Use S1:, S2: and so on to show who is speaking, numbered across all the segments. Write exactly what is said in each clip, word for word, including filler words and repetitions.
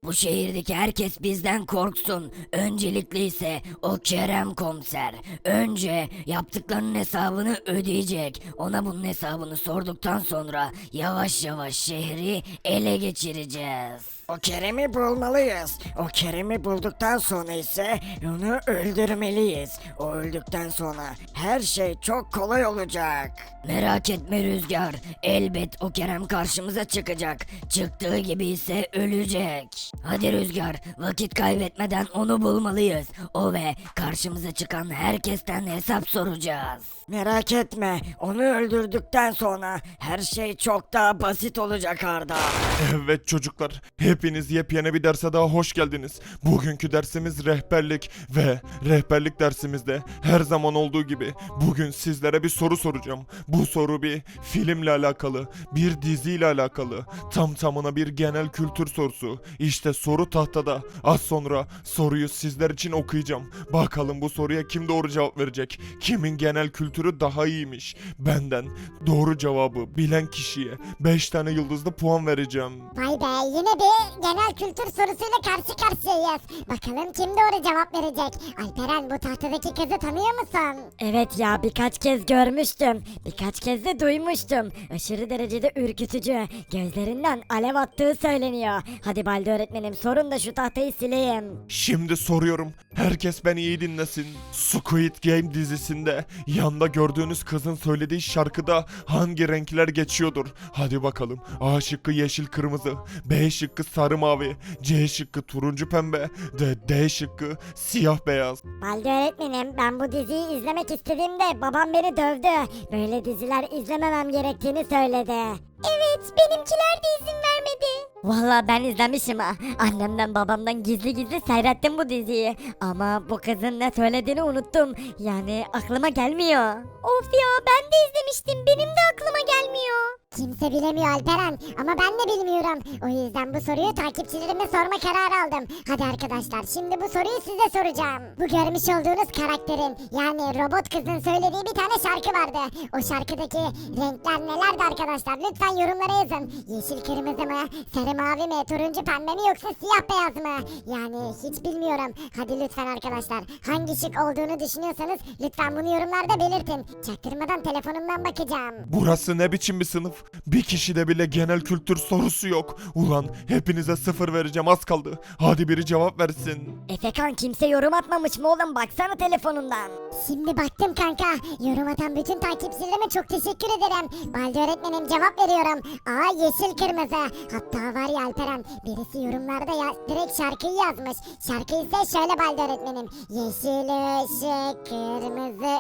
S1: Bu şehirdeki herkes bizden korksun. Öncelikle ise o Kerem komiser. Önce yaptıklarının hesabını ödeyecek. Ona bunun hesabını sorduktan sonra yavaş yavaş şehri ele geçireceğiz.
S2: O Kerem'i bulmalıyız. O Kerem'i bulduktan sonra ise onu öldürmeliyiz. O öldükten sonra her şey çok kolay olacak.
S1: Merak etme Rüzgar. Elbet o Kerem karşımıza çıkacak. Çıktığı gibi ise ölecek. Hadi Rüzgar, vakit kaybetmeden onu bulmalıyız. O ve karşımıza çıkan herkesten hesap soracağız.
S2: Merak etme, onu öldürdükten sonra her şey çok daha basit olacak Arda.
S3: Evet çocuklar, hepiniz yepyeni bir derse daha hoş geldiniz. Bugünkü dersimiz rehberlik ve rehberlik dersimizde her zaman olduğu gibi bugün sizlere bir soru soracağım. Bu soru bir filmle alakalı, bir diziyle alakalı, tam tamına bir genel kültür sorusu. İşte soru tahtada. Az sonra soruyu sizler için okuyacağım. Bakalım bu soruya kim doğru cevap verecek? Kimin genel kültürü daha iyiymiş? Benden doğru cevabı bilen kişiye beş tane yıldızlı puan vereceğim.
S4: Vay be, yine bir genel kültür sorusuyla karşı karşıyayız. Bakalım kim doğru cevap verecek? Alperen, bu tahtadaki kızı tanıyor musun?
S5: Evet ya, birkaç kez görmüştüm. Birkaç kez de duymuştum. Aşırı derecede ürkütücü. Gözlerinden alev attığı söyleniyor. Hadi Baldi öğretmenim, sorun da şu tahtayı sileyim.
S3: Şimdi soruyorum. Herkes beni iyi dinlesin. Squid Game dizisinde yanda gördüğünüz kızın söylediği şarkıda hangi renkler geçiyordur? Hadi bakalım. A şıkkı yeşil kırmızı, B şıkkı sarı mavi, C şıkkı turuncu pembe, D, D şıkkı siyah beyaz.
S5: Baldi öğretmenim, ben bu diziyi izlemek istediğimde babam beni dövdü. Böyle diziler izlememem gerektiğini söyledi. Evet, benimkiler de izin vermedi. Valla ben izlemişim ha. Annemden babamdan gizli gizli seyrettim bu diziyi. Ama bu kızın ne söylediğini unuttum. Yani aklıma gelmiyor. Of ya, ben de izlemiştim. Benim de aklıma gelmiyor.
S4: Kimse bilemiyor Alperen, ama ben de bilmiyorum. O yüzden bu soruyu takipçilerime sorma kararı aldım. Hadi arkadaşlar, şimdi bu soruyu size soracağım. Bu görmüş olduğunuz karakterin, yani robot kızın söylediği bir tane şarkı vardı. O şarkıdaki renkler nelerdi arkadaşlar? Lütfen yorumlara yazın. Yeşil kırmızı mı, sarı mavi mi, turuncu pembe mi, yoksa siyah beyaz mı? Yani hiç bilmiyorum. Hadi lütfen arkadaşlar, hangi şık olduğunu düşünüyorsanız lütfen bunu yorumlarda belirtin. Çaktırmadan telefonumdan bakacağım.
S3: Burası ne biçim bir sınıf? Bir kişide bile genel kültür sorusu yok. Ulan hepinize sıfır vereceğim, az kaldı. Hadi biri cevap versin.
S5: Efekan, kimse yorum atmamış mı oğlum? Baksana telefonundan.
S4: Şimdi baktım kanka. Yorum atan bütün takipçilerime çok teşekkür ederim. Baldi öğretmenim, cevap veriyorum. A yeşil kırmızı. Hatta var ya Alperen, birisi yorumlarda ya, direkt şarkıyı yazmış. Şarkı ise şöyle Baldi öğretmenim. Yeşil ışık, kırmızı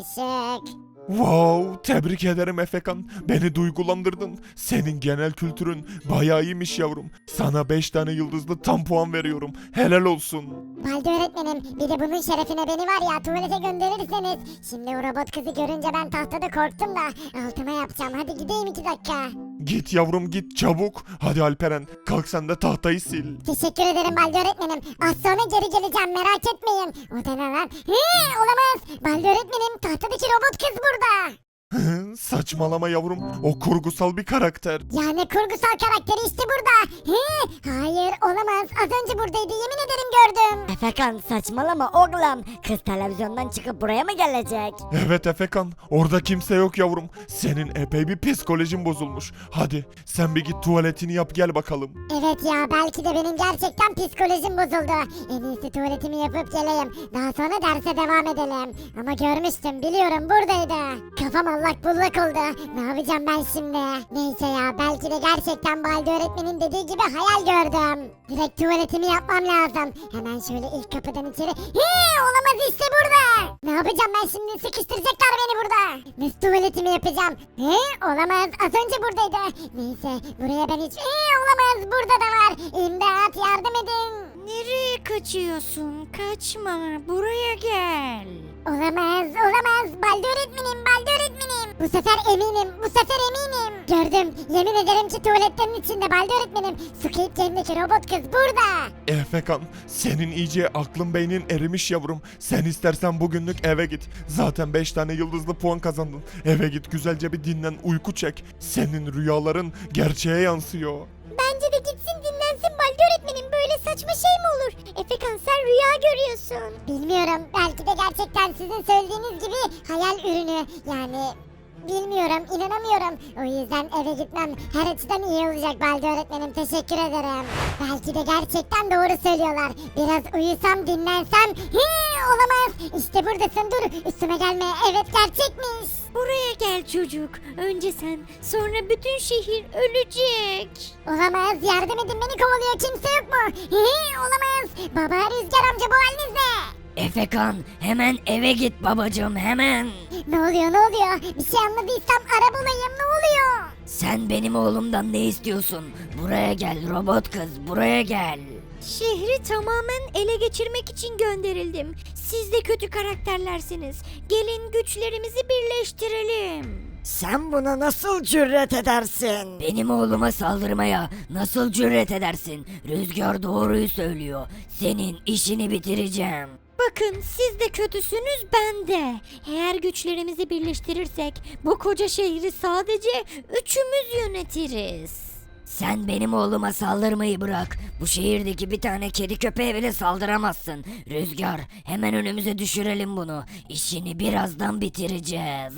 S4: ışık.
S3: Wow, tebrik ederim Efekan. Beni duygulandırdın. Senin genel kültürün bayağı iyiymiş yavrum. Sana beş tane yıldızlı tam puan veriyorum. Helal olsun.
S4: Baldi öğretmenim, bir de bunun şerefine beni var ya tuvalete gönderirseniz. Şimdi o robot kızı görünce ben tahtada korktum da altıma yapacağım. Hadi gideyim iki dakika.
S3: Git yavrum git çabuk. Hadi Alperen, kalk sen de tahtayı sil.
S4: Teşekkür ederim Baldi öğretmenim. Az sonra geri geleceğim, merak etmeyin. O da ne lan? He, olamaz. Baldi öğretmenim, tahtadaki robot kız burada.
S3: Saçmalama yavrum. O kurgusal bir karakter.
S4: Yani kurgusal karakteri işte burada. He, hayır olamaz. Az önce buradaydı, yemin ederim gördüm.
S5: Efekan, saçmalama oğlum. Kız televizyondan çıkıp buraya mı gelecek?
S3: Evet Efekan, orada kimse yok yavrum. Senin epey bir psikolojin bozulmuş. Hadi sen bir git tuvaletini yap gel bakalım.
S4: Evet ya, belki de benim gerçekten psikolojim bozuldu. En iyisi tuvaletimi yapıp geleyim. Daha sonra derse devam edelim. Ama görmüştüm, biliyorum buradaydı. Kafam allak bullak oldu. Ne yapacağım ben şimdi? Neyse ya, belki de gerçekten Baldi öğretmenin dediği gibi hayal gördüm. Direkt tuvaletimi yapmam lazım. Hemen şöyle ilk kapıdan içeri. Hii, olamaz, işte burada. Ne yapacağım ben şimdi? Sıkıştıracaklar beni burada. Nasıl tuvaletimi yapacağım? He, olamaz, az önce buradaydı. Neyse, buraya ben hiç... He, olamaz, burada da var. İmdat, yardım edin.
S6: Nereye kaçıyorsun? Kaçma. Buraya gel.
S4: Olamaz, olamaz. Baldi öğretmenim, Baldi öğretmenim. Bu sefer eminim, bu sefer eminim. Gördüm, yemin ederim ki tuvaletlerin içinde Baldi öğretmenim. Squid Game'deki robot kız burada.
S3: Efekan, senin iyice aklın beynin erimiş yavrum. Sen istersen bugünlük eve git. Zaten beş tane yıldızlı puan kazandın. Eve git güzelce bir dinlen, uyku çek. Senin rüyaların gerçeğe yansıyor.
S4: Bence de gitsin dinlensin Baldi öğretmenim. Böyle Bilmiyorum. Belki de gerçekten sizin söylediğiniz gibi hayal ürünü. Yani bilmiyorum, inanamıyorum. O yüzden eve gitmem her açıdan iyi olacak Baldi öğretmenim. Teşekkür ederim. Belki de gerçekten doğru söylüyorlar. Biraz uyusam, dinlensem. Hii, olamaz. İşte buradasın, dur. Üstüme gelme. Evet, gerçekmiş.
S6: Buraya gel çocuk. Önce sen, sonra bütün şehir ölecek.
S4: Olamaz. Yardım edin, beni kovalıyor. Kimse yok mu? Hii, olamaz. Baba, Rüzgar amca, bu haliniz ne?
S1: Efekan hemen eve git babacığım hemen.
S4: Ne oluyor, ne oluyor? Bir şey anladıysam ara bulayım, ne oluyor?
S1: Sen benim oğlumdan ne istiyorsun? Buraya gel robot kız buraya gel.
S6: Şehri tamamen ele geçirmek için gönderildim. Siz de kötü karakterlersiniz. Gelin güçlerimizi birleştirelim.
S2: Sen buna nasıl cüret edersin?
S1: Benim oğluma saldırmaya nasıl cüret edersin? Rüzgar doğruyu söylüyor. Senin işini bitireceğim.
S6: Bakın siz de kötüsünüz ben de. Eğer güçlerimizi birleştirirsek bu koca şehri sadece üçümüz yönetiriz.
S1: Sen benim oğluma saldırmayı bırak. Bu şehirdeki bir tane kedi köpeğe bile saldıramazsın. Rüzgar hemen önümüze düşürelim bunu. İşini birazdan bitireceğiz.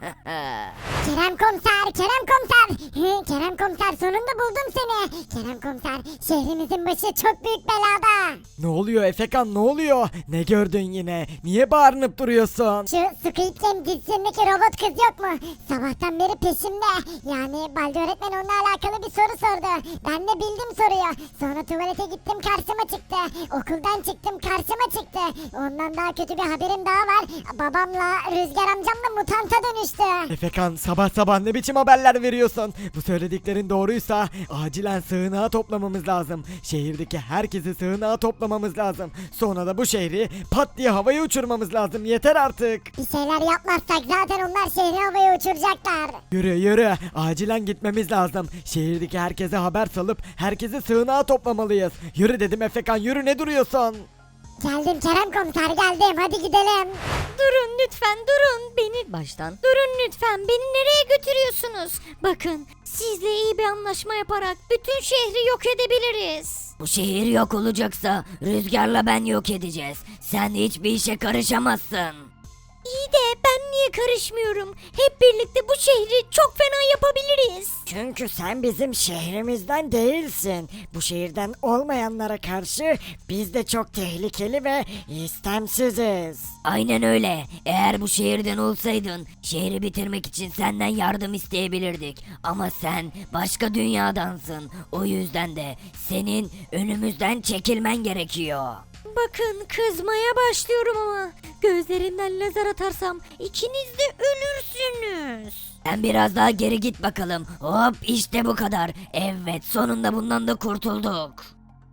S4: Kerem komiser, Kerem komiser. Hı, Kerem komiser, sonunda buldum seni. Kerem komiser, şehrimizin başı çok büyük belada.
S2: Ne oluyor Efekan, ne oluyor? Ne gördün yine? Niye bağırınıp duruyorsun?
S4: Şu Squid Game dizisindeki robot kız yok mu? Sabahtan beri peşimde. Yani Baldi öğretmen onunla alakalı bir soru sordu. Ben de bildim soruyu. Sonra tuvalete gittim, karşıma çıktı. Okuldan çıktım, karşıma çıktı. Ondan daha kötü bir haberim daha var. Babamla Rüzgar amcam da mutanta dönüştü.
S2: Efekan sabah sabah ne biçim haberler veriyorsun? Bu söylediklerin doğruysa acilen sığınağa toplamamız lazım. Şehirdeki herkesi sığınağa toplamamız lazım. Sonra da bu şehri pat diye havaya uçurmamız lazım. Yeter artık.
S4: Bir şeyler yapmazsak zaten onlar şehri havaya uçuracaklar.
S2: Yürü yürü. Acilen gitmemiz lazım. Şehirdeki herkese haber salıp herkesi sığınağa toplamalıyız. Yürü dedim Efekan, yürü, ne duruyorsun?
S4: Geldim Kerem komiser, geldim. Hadi gidelim.
S6: Durun lütfen durun beni baştan. Durun lütfen beni nereye götürüyorsunuz? Bakın sizle iyi bir anlaşma yaparak bütün şehri yok edebiliriz.
S1: Bu şehir yok olacaksa Rüzgar'la ben yok edeceğiz. Sen hiçbir işe karışamazsın.
S6: İyi de ben niye karışmıyorum? Hep birlikte bu şehri çok fena yapabiliriz.
S2: Çünkü sen bizim şehrimizden değilsin. Bu şehirden olmayanlara karşı biz de çok tehlikeli ve istemsiziz.
S1: Aynen öyle. Eğer bu şehirden olsaydın şehri bitirmek için senden yardım isteyebilirdik. Ama sen başka dünyadansın. O yüzden de senin önümüzden çekilmen gerekiyor.
S6: Bakın kızmaya başlıyorum ama gözlerimden lazer atarsam ikiniz de ölürsünüz.
S1: Sen biraz daha geri git bakalım. Hop işte bu kadar. Evet sonunda bundan da kurtulduk.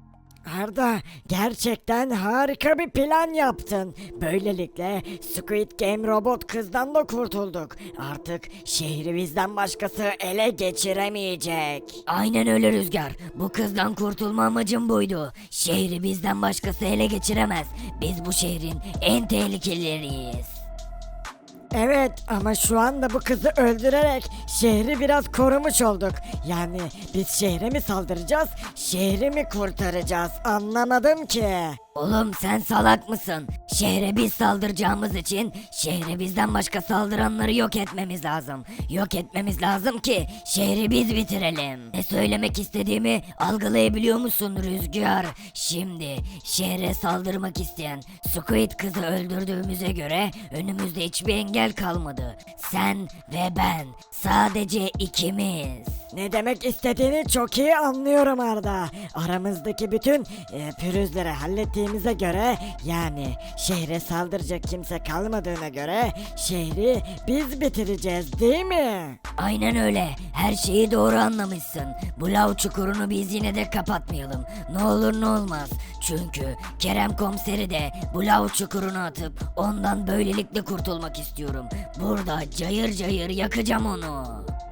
S2: Arda, gerçekten harika bir plan yaptın. Böylelikle Squid Game robot kızdan da kurtulduk. Artık şehri bizden başkası ele geçiremeyecek.
S1: Aynen öyle Rüzgar. Bu kızdan kurtulma amacım buydu. Şehri bizden başkası ele geçiremez. Biz bu şehrin en tehlikelileriyiz.
S2: Evet, ama şu anda bu kızı öldürerek şehri biraz korumuş olduk. Yani biz şehre mi saldıracağız, şehri mi kurtaracağız, anlamadım ki.
S1: Oğlum sen salak mısın? Şehre biz saldıracağımız için şehre bizden başka saldıranları yok etmemiz lazım. Yok etmemiz lazım ki şehri biz bitirelim. Ne söylemek istediğimi algılayabiliyor musun Rüzgar? Şimdi şehre saldırmak isteyen Squid kızı öldürdüğümüze göre önümüzde hiçbir engel kalmadı. Sen ve ben, sadece ikimiz.
S2: Ne demek istediğini çok iyi anlıyorum Arda. Aramızdaki bütün e, pürüzleri hallettiğimize göre, yani şehre saldıracak kimse kalmadığına göre şehri biz bitireceğiz, değil mi?
S1: Aynen öyle. Her şeyi doğru anlamışsın. Bu lav çukurunu biz yine de kapatmayalım. Ne olur ne olmaz. Çünkü Kerem komiseri de bu lav çukuruna atıp ondan böylelikle kurtulmak istiyorum. Burada cayır cayır yakacağım onu.